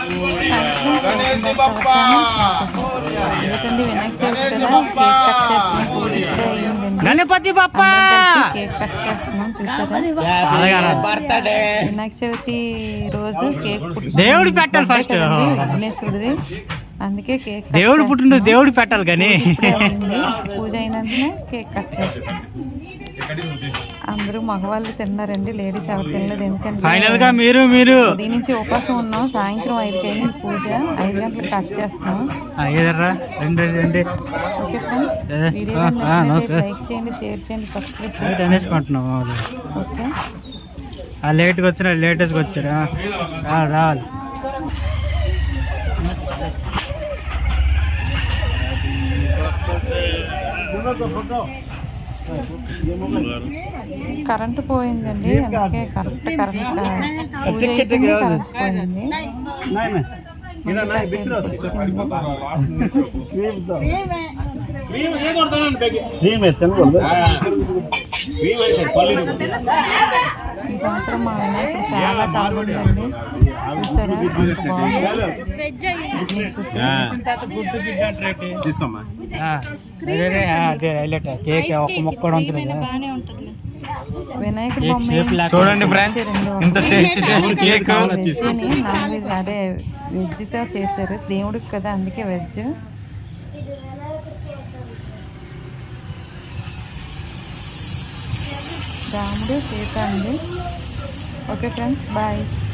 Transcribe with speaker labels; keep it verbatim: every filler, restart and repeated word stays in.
Speaker 1: ఎందుకండి వినాయక చవితి కదా cake cut చేస్తున్నాం. పూజ ఇప్పుడే అయ్యిందండి.
Speaker 2: గణపతి బప్ప
Speaker 1: కేక్ కట్ చేస్తున్నాం చూసారా. వినాయక చవితి రోజు కేక్
Speaker 2: దేవుడు పెట్టాలి ఫస్ట్,
Speaker 1: విఘ్నేశ్వరుడిది. అందుకే కేక్
Speaker 2: దేవుడు పుట్టిన దేవుడు పెట్టాలి కానీ
Speaker 1: పూజ అయినందునే కేక్ కట్ చేస్తాం. అందరూ మగవాళ్ళు తిన్నారండి, లేడీస్ ఎవరు తినలేదు. ఎందుకంటే
Speaker 2: ఫైనల్ గా మీరు మీరు
Speaker 1: ఉదయం నుంచి ఉపవాసం ఉన్నాం. సాయంత్రం ఐదుకి అయింది పూజ, ఐదు గంటలకు కట్ చేస్తాం. ఓకే ఫ్రెండ్స్, వీడియో లైక్ చేయండి, షేర్ చేయండి, సబ్స్క్రైబ్ చేయండి. ఓకే,
Speaker 2: లేట్గా వచ్చిన లేటెస్ట్గా వచ్చారా రావాలి.
Speaker 1: కరెంటు పోయిందండి, అందుకే కరెక్ట్ కరెంట్ పూజ అయిపోయింది, కరెంట్ పోయింది. ఈ సంవత్సరం మా వినాయకుడు చాలా బాగుందండి, చూసారా ఎంత బాగుంది. వినాయకుడు బొమ్మ
Speaker 2: చూడండి
Speaker 1: నాన్ వెజ్ అదే వెజ్తో చేశారు దేవుడికి కదా, అందుకే వెజ్. రాముడు సీత అండి. Okay friends, bye.